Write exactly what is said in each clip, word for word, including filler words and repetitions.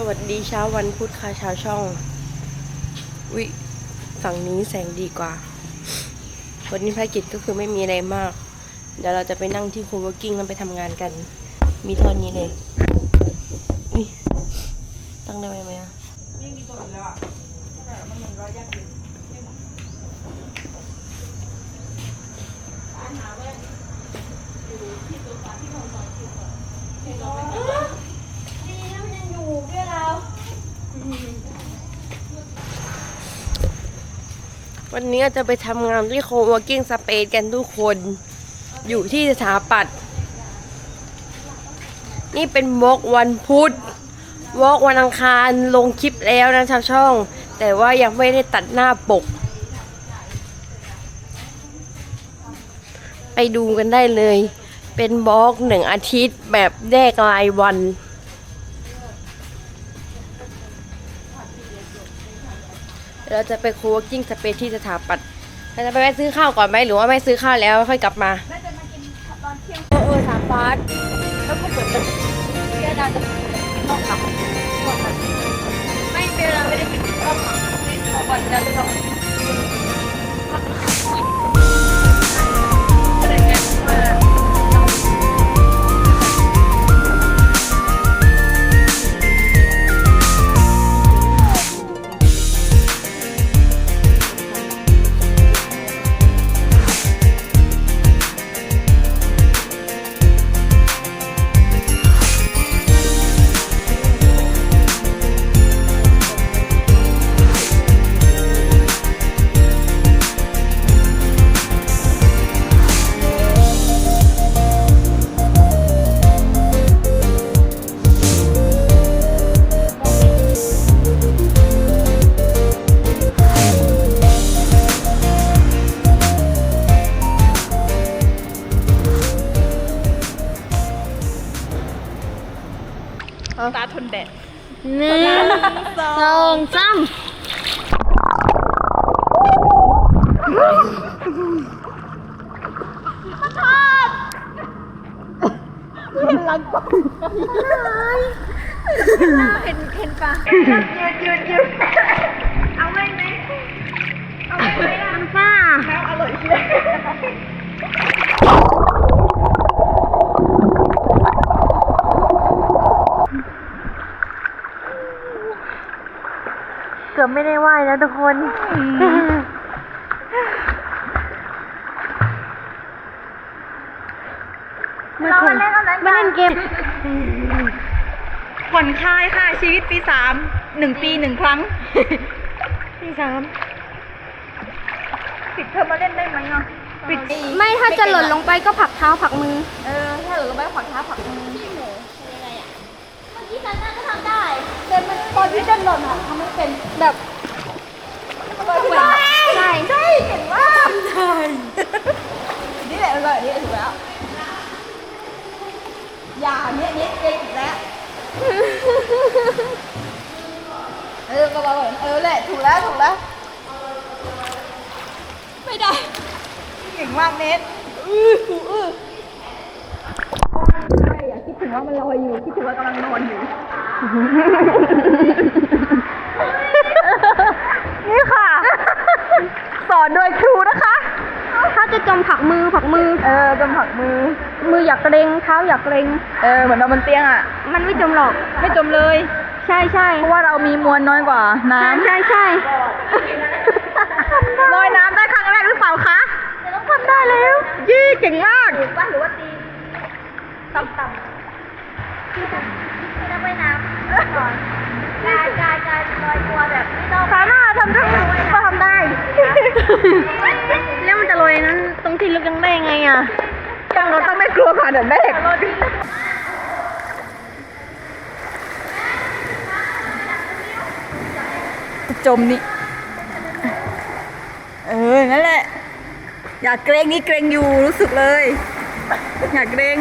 วัสดีเช้าวันพุธค่ะชาวช่องวิฝั่งนี้แสงดีกว่าวันนี้ภารกิจก็คือไม่มีอะไรมากเดี๋ยวเราจะไปนั่งที่โคเวิร์กิ้งแล้วไปทำงานกันมีเท่านี้เลยนี่ตั้งได้ไหมไหมอ่ะไม่มีตัวอีกแล้วอ่ะมันมันร้อยยากอยู่วันนี้จะไปทำงานที่โคเวิร์กิ้งสเปซกันทุกคนอยู่ที่สถาปัตย์นี่เป็นวอล์กวันพุธวอล์กวันอังคารลงคลิปแล้วนะชาวช่องแต่ว่ายังไม่ได้ตัดหน้าปกไปดูกันได้เลยเป็นวอล์กหนึ่งอาทิตย์แบบแยกรายวันเราจะไปโคเวิร์กิ้งสเปซที่สถาปัตย์เราจะไปแวะซื้อข้าวก่อนไหมหรือว่าไม่ซื้อข้าวแล้วค่อยกลับมาน่าจะมากินตอนเที่ยงเออเออสถาปัตย์แล้วก็เปิดตึกแค่ดาวจะกินข้าวกับไม่เป็นไรไม่ได้กินข้าวกับข้าวก่อนจะไปทำตาทนแดดหนึ่งสองสามเห็นเห็นปะยืดยืดยืดเอาไว้ไหมเอาไว้ไหมล่ะน้ำฟ้าแล้วอร่อยเชียวเกือบไม่ได้ไหวแล้วทุกคนเรามาเล่นอะไรกันมาเล่นเกมผ่อนคลายค่ะชีวิตปีสามหนึ่งปีหนึ่งครั้งที่สามปิดเทอมมาเล่นได้ไหมอ่ะปิดไม่ถ้าจะหล่นลงไปก็ผลักเท้าผลักมือเออถ้าหล่นลงไปผ่อนเท้าผักมือที่หนูคืออะไรอ่ะเมื่อกี้ซันน่าก็ทำได้แต่มันตอนที่เดินหล่นอ่ะทำไม่เป็นแบบใช่ใช่ใช่เห็นว่าทำได้นี่แหละเลยนี่ถูกแล้วอย่าเนี้ยเนี้ยเก่งอีกแล้วเออก็บอกเออแหละถูกแล้วถูกแล้วไม่ได้เก่งมากเน็ตอื้อกูอื้อใช่อย่าคิดถึงว่ามันลอยอยู่คิดถึงว่ากำลังนอนอยู่นี่ค่ะสอนโดยครูนะคะถ้าจะจมผลักมือผลักมือเออจมผักมือมืออยากเกรงเท้าอยากเกรงเออเหมือนเราบนเตียงอ่ะมันไม่จมหรอกไม่จมเลยใช่ใช่เพราะว่าเรามีมวลน้อยกว่าน้ใช่ใช่ำลอยน้ำได้ครั้งแรกหรือเปล่าคะจะต้องทำได้แล้วยี่เก่งมากว่าหรือว่าตีต่ำต่ำไม่ต้องว่ายน้ำก่อนกายกายกายลอยตัวแบบไม่ต้องสามารถทำได้ก็ทำได้แล้วมันจะลอยนั้นตรงที่ลึกยังได้ไงอ่ะตั้งเราตั้งไม่กลัวค่ะเดี๋ยวแม่จมนี่เออนั่นแหละอย่าเกรงนี่เกรงอยู่รู้สึกเลยอย่าเกรง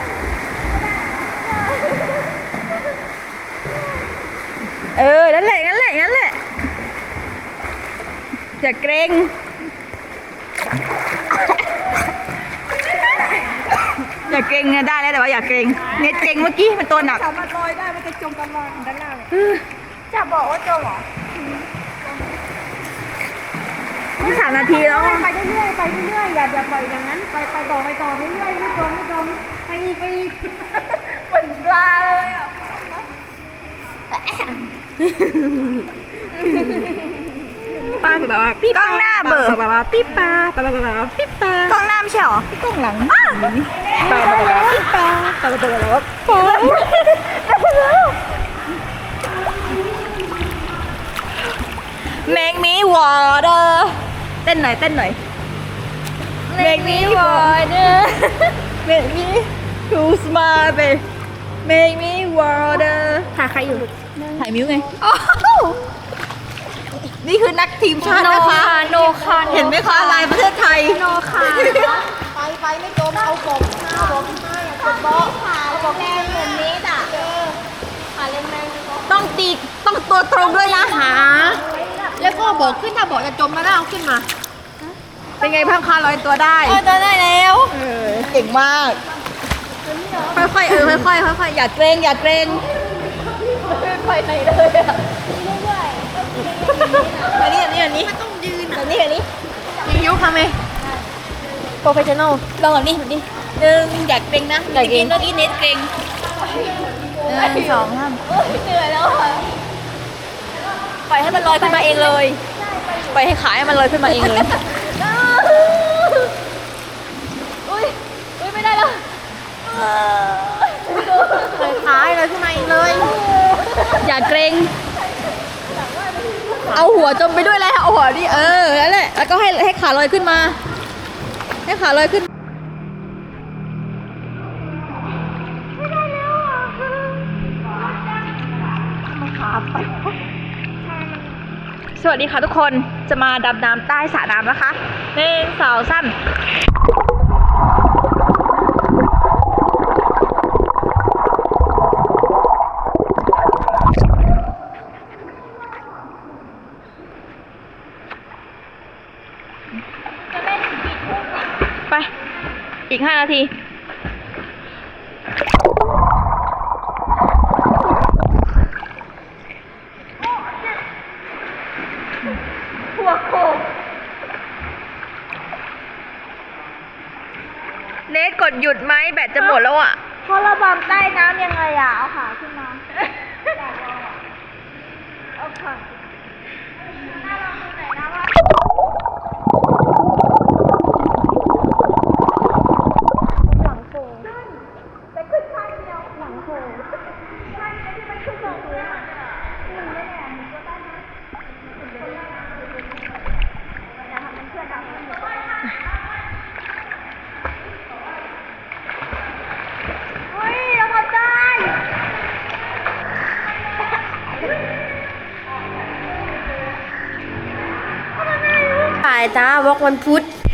เออนั่นแหละนั่นแหละนั่นแหละอย่าเกรงอย่าอย่าเกรงนะได้แล้วแต่ว่าอย่าเกรงเน็ตเกรงเมื่อกี้มันตัวหนักสามารถลอยได้มันจะจมตลอดด้านล่างจะบอกว่าจมเหรอนี่สามนาทีแล้วไปเรื่อยๆไปเรื่อยๆอย่าอย่าปล่อยอย่างนั้นไปไปต่อไปต่อเรื่อยๆไม่จมไม่จมไปอีกไปอีกเหมือนปลาเลยอ่ะป้าแบบว่าพี่กล้องหน้าเบอร์แบบว่าพี่ปลาแบบว่าพี่ปลากล้องหน้าไม่ใช่หรอกล้องหลังปลาแบบว่าพี่ปลาปลาแบบว่าปลาMake me water เต้นหน่อยเต้นหน่อย Make me water Make me too smart babe Make me water ถ่ายใครอยู่ถ่ายมิ้วไงนี่คือนักทีมชาตินะคะโนคาเห็นไหมคะลายประเทศไทยโนคาไปไปไม่จมเอาบอกเอาบอกให้กดโต๊ะเอาบอกแรงเหมือนนี้อ่ะขาเล่นแมงต้องตีต้องตัวตรงด้วยนะหาแล้วก็บอกขึ้นถ้าบอกจะจมมาแล้วเอาขึ้นมาเป็นไงพังคาลอยตัวได้เออจะได้แล้วเออเก่งมาก ค่อยๆเออค่อยๆค่อยๆอย่าเกรงอย่าเกรงไปไหนเลยอ่ะอันนี้อันนี้อันนี้ต้องยืนอันนี้อันนี้ยิ้วทำไงโปรเฟชชั่นอลลองแบบนี้แบบนี้หนึ่งอย่าเกรงนะอย่าเกรงเมื่อกี้เน็ตเกรงหนึ่งสองสามเหนื่อยแล้วอ่ะปล่อยให้มันลอยขึ้นมาเองเลยปล่อยให้ขาให้มันลอยขึ้นมาเองเลยอุ้ยอุ้ยไม่ได้แล้วปล่อยขาให้ลอยขึ้นมาเองเลย อย่าเกรงเอาหัวจมไปด้วยเลยเอาหัวดิเออนั่นแหละแล้วก็ให้ให้ขาลอยขึ้นมา ให้ขาลอยขึ้นสวัสดีค่ะทุกคนจะมาดำน้ำใต้สระน้ำนะคะหนึ่งสองสามไป อีกห้านาทีหัวโขกเนทกดหยุดไหมแบตจะหมดแล้วอ่ะพอระบำใต้น้ำยังไงอ่ะ เอาขาขึ้นมาเอาขาน่าลองดูหน่อยนะว่าหลังโขงแต่ขึ้นข้างเดียวหลังโขงข้างเดียวที่มันขึ้นสองพื้นอ่ะหนึ่งได้แหละหนึ่งก็ได้นะอย่าทำมันเชื่อดำมันเฮ้ยเราพอใจถ่ายจ้าวอกวันพุธ